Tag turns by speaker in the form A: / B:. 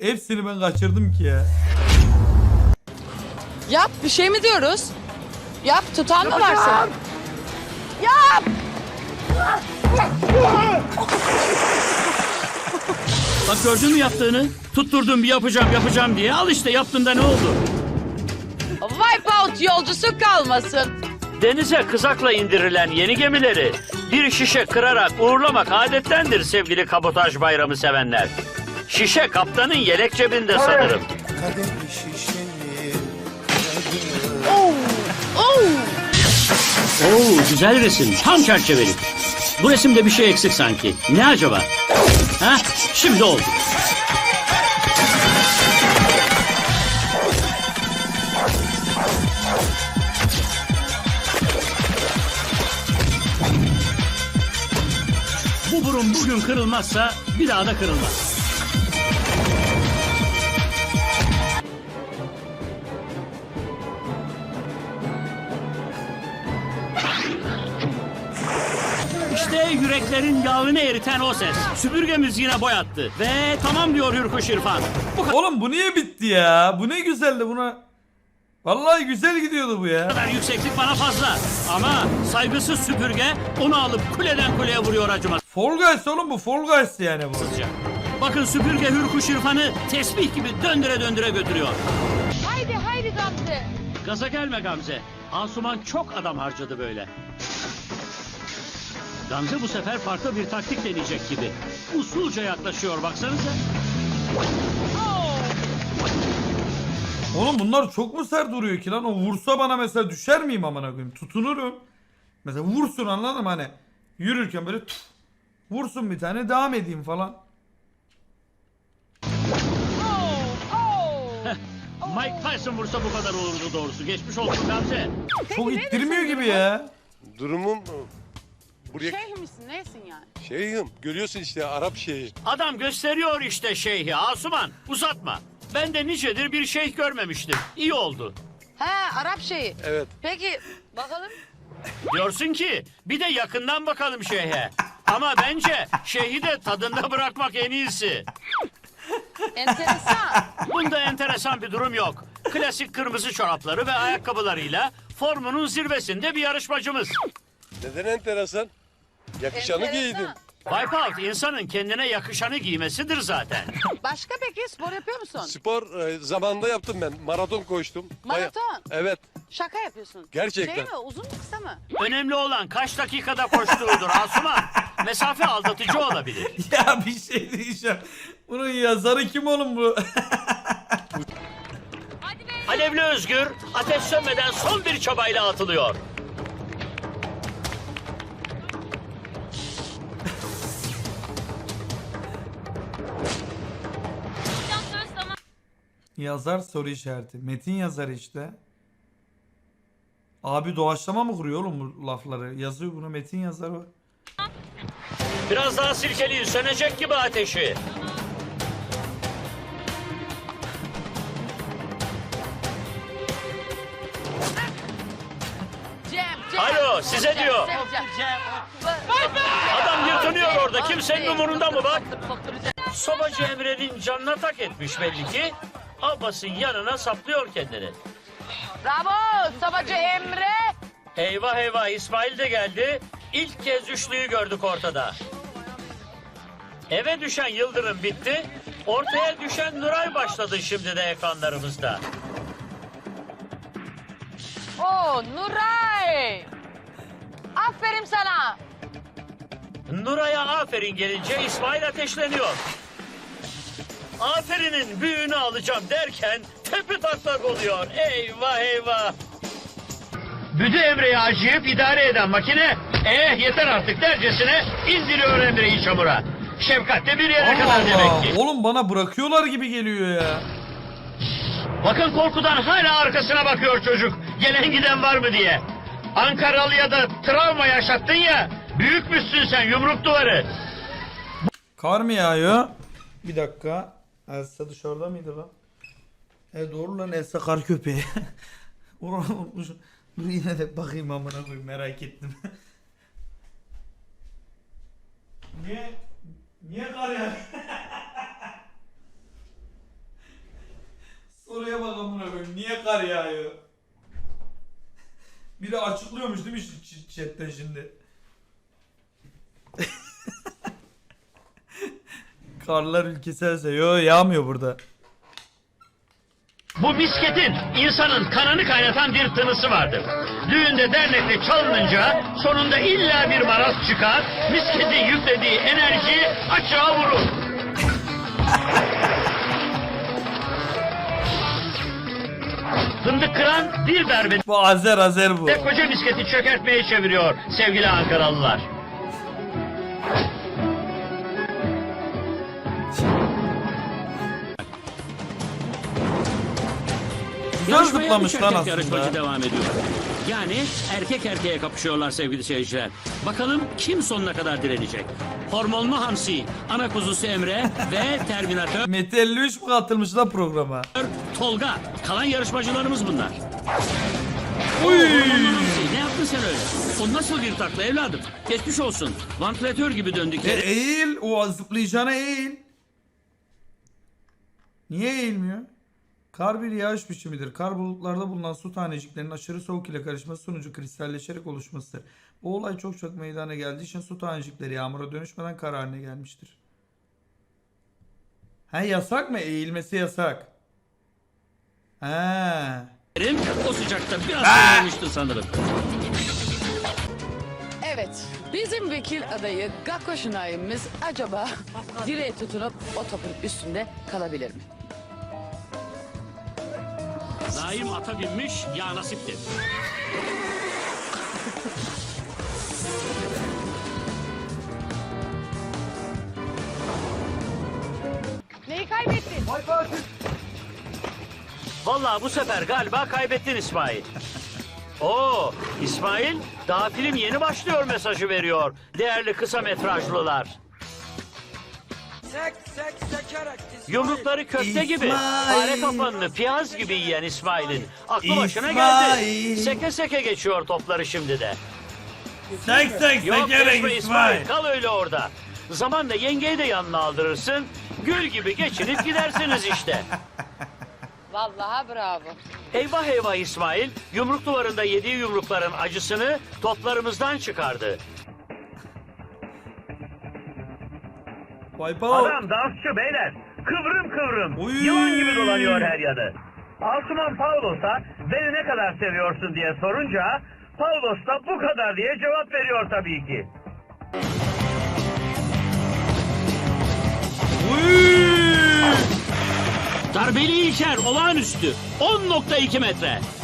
A: hepsini ben kaçırdım ki ya.
B: Yap, bir şey mi diyoruz? Yap, tutan mı var senin? Yap!
C: Bak gördün mü yaptığını? Tutturdum bir yapacağım diye. Al işte yaptığında ne oldu?
B: Wipeout yolcusu kalmasın.
C: Denize kızakla indirilen yeni gemileri bir şişe kırarak uğurlamak adettendir sevgili kabotaj bayramı sevenler. Şişe kaptanın yelek cebinde sanırım. Oo, güzel resim. Tam çerçeveli. Bu resimde bir şey eksik sanki. Ne acaba? Ha? Şimdi oldu. Bu burun bugün kırılmazsa bir daha da kırılmaz. İşte yüreklerin yağını eriten o ses. Süpürgemiz yine boyattı. Ve tamam diyor Hürkuş İrfan. Bu
A: Oğlum bu niye bitti ya? Bu ne güzeldi buna. Vallahi güzel gidiyordu bu ya.
C: kadar yükseklik bana fazla. Ama saygısız süpürge onu alıp kuleden kuleye vuruyor acımasızca.
A: Fall Guys oğlum bu Fall Guys yani bu.
C: Bakın süpürge Hürkuş İrfan'ı tesbih gibi döndüre döndüre götürüyor.
B: Haydi haydi Gamze.
C: Gaza gelme Gamze. Asuman çok adam harcadı böyle. Gamze bu sefer farklı bir taktik deneyecek gibi. Usulca yaklaşıyor baksanıza.
A: Oğlum bunlar çok mu sert duruyor ki lan? O vursa bana mesela düşer miyim amına koyayım? Tutunurum. Mesela vursun anladın mı hani? Yürürken böyle vursun bir tane devam edeyim falan.
C: Mike Tyson vursa bu kadar olurdu doğrusu. Geçmiş olsun Gamze.
A: Çok ittirmiyor gibi ya.
D: Durumum buraya
B: Şeyh misin, neysin yani?
D: şeyhim. Görüyorsun işte Arap şeyhi.
C: Adam gösteriyor işte şeyhi Asuman. Uzatma. Ben de nicedir bir şeyh görmemiştim. İyi oldu.
B: He, Arap şeyi.
D: Evet.
B: Peki, bakalım.
C: Diyorsun ki bir de yakından bakalım şeyhe. Ama bence şeyhi de tadında bırakmak en iyisi.
B: Enteresan.
C: Bunda enteresan bir durum yok. Klasik kırmızı çorapları ve ayakkabılarıyla formunun zirvesinde bir yarışmacımız.
D: Neden enteresan? Yakışanı
B: Enteresan.
D: giydin.
C: Wipeout insanın kendine yakışanı giymesidir zaten.
B: Başka peki spor yapıyor musun?
D: Spor zamanında yaptım ben. Maraton koştum.
B: Maraton?
D: Evet.
B: Şaka yapıyorsun.
D: Gerçekten.
B: Şey mi, uzun mu kısa mı?
C: Önemli olan kaç dakikada koştuğudur Asuman. Mesafe aldatıcı olabilir.
A: Ya bir şey diyeceğim. Bunun yazarı kim oğlum bu?
C: Alevli Özgür ateş sönmeden son bir çabayla atılıyor.
A: Yazar soru işareti. Metin yazar işte. Abi doğaçlama mı kuruyor oğlum bu lafları? Yazıyor bunu metin yazar o.
C: Biraz daha silkeleyin sönecek gibi ateşi.
B: Cem.
C: Alo, size diyor.
B: Cem.
C: Adam yırtınıyor orada kimsenin umurunda mı bak. Sobacı Emre'nin canına tak etmiş belli ki. Abbas'ın yanına saplıyor kendini.
B: Bravo, Sabacı Emre.
C: Eyvah eyvah İsmail de geldi. İlk kez üçlüyü gördük ortada. Eve düşen Yıldırım bitti. Ortaya düşen Nuray başladı şimdi de ekranlarımızda.
B: Oo, Nuray. Aferin sana.
C: Nuray'a aferin gelince İsmail ateşleniyor. Aferinin büyüğünü alacağım derken tepe taklak oluyor. Eyvah eyvah. Büdü Emre'yi acıyıp idare eden makine yeter artık dercesine indiriyor Emre'yi çamura. Şefkat de bir yere kadar
A: Allah
C: demek ki.
A: oğlum bana bırakıyorlar gibi geliyor ya.
C: Bakın korkudan hala arkasına bakıyor çocuk. Gelen giden var mı diye. Ankaralı'ya da travma yaşattın ya. Büyükmüşsün sen yumruk duvarı.
A: Kar mı yağıyor? Bir dakika. Elsa dışarıda mıydı lan? Doğru lan Elsa kar köpeği. Unutmuşum. Dur yine de bakayım amına koyayım merak ettim. Niye kar yağıyor? chatten şimdi. Karlar ülkesi else. Yo yağmıyor burada.
C: Bu misketin insanın kanını kaynatan bir tınısı vardır. Düğünde dernekte çalınınca sonunda illa bir maraz çıkar, misketin yüklediği enerji açığa vurur. Fındık kıran bir darbede
A: Bu Azer bu.
C: koca misketi çökertmeye çeviriyor sevgili Ankaralılar.
A: Güzel
E: Yarışmaya
A: zıplamış
E: üç
A: lan
E: erkek yarışmacı
A: aslında.
E: devam ediyor. Yani erkek erkeğe kapışıyorlar sevgili seyirciler. Bakalım kim sonuna kadar direnecek? Hormonlu Hamsi, ana kuzusu Emre ve Terminator
A: Mete 53 mi katılmış lan programa?
E: Tolga. Kalan yarışmacılarımız bunlar.
A: Uy!
E: Hormonlu Hamsi, ne yaptın sen öyle? O nasıl bir takla evladım? Geçmiş olsun. Vantilatör gibi döndük yere.
A: Eğil. O zıplayacağına eğil. Niye eğilmiyor? Kar bir yağış biçimidir. Kar bulutlarda bulunan su taneciklerinin aşırı soğuk ile karışması sonucu kristalleşerek oluşmasıdır. Bu olay çok meydana geldiği için su tanecikleri yağmura dönüşmeden kar haline gelmiştir. He yasak mı? Eğilmesi yasak. He.
E: O sıcakta biraz soğumuştu sanırım.
F: Evet, bizim vekil adayı Gakko Şınay'ımız acaba direğe tutunup o topun üstünde kalabilir mi?
E: Naim ata binmiş, ya nasiptir.
B: Neyi kaybettin?
C: Vallahi bu sefer galiba kaybettin İsmail. Oo, İsmail daha film yeni başlıyor mesajı veriyor. Değerli kısa metrajlılar. Yumrukları köfte gibi, fare kapanını piyaz gibi yiyen İsmail'in aklı başına geldi.
A: İsmail.
C: Seke seke geçiyor topları şimdi de.
A: Sek
C: Yok geçme İsmail, kal öyle orada. Zamanla yengeyi de yanına aldırırsın. Gül gibi geçinip gidersiniz işte.
B: Vallahi bravo.
C: Eyvah eyvah İsmail, yumruk duvarında yediği yumrukların acısını toplarımızdan çıkardı.
A: Wipeout.
C: Adam dansçı beyler, kıvrım kıvrım,
A: Oy.
C: yılan gibi dolanıyor her yanı. Asuman Paulos'a beni ne kadar seviyorsun diye sorunca, Paulos da bu kadar diye cevap veriyor tabii ki.
E: Darbeli İlker olağanüstü 10.2 metre.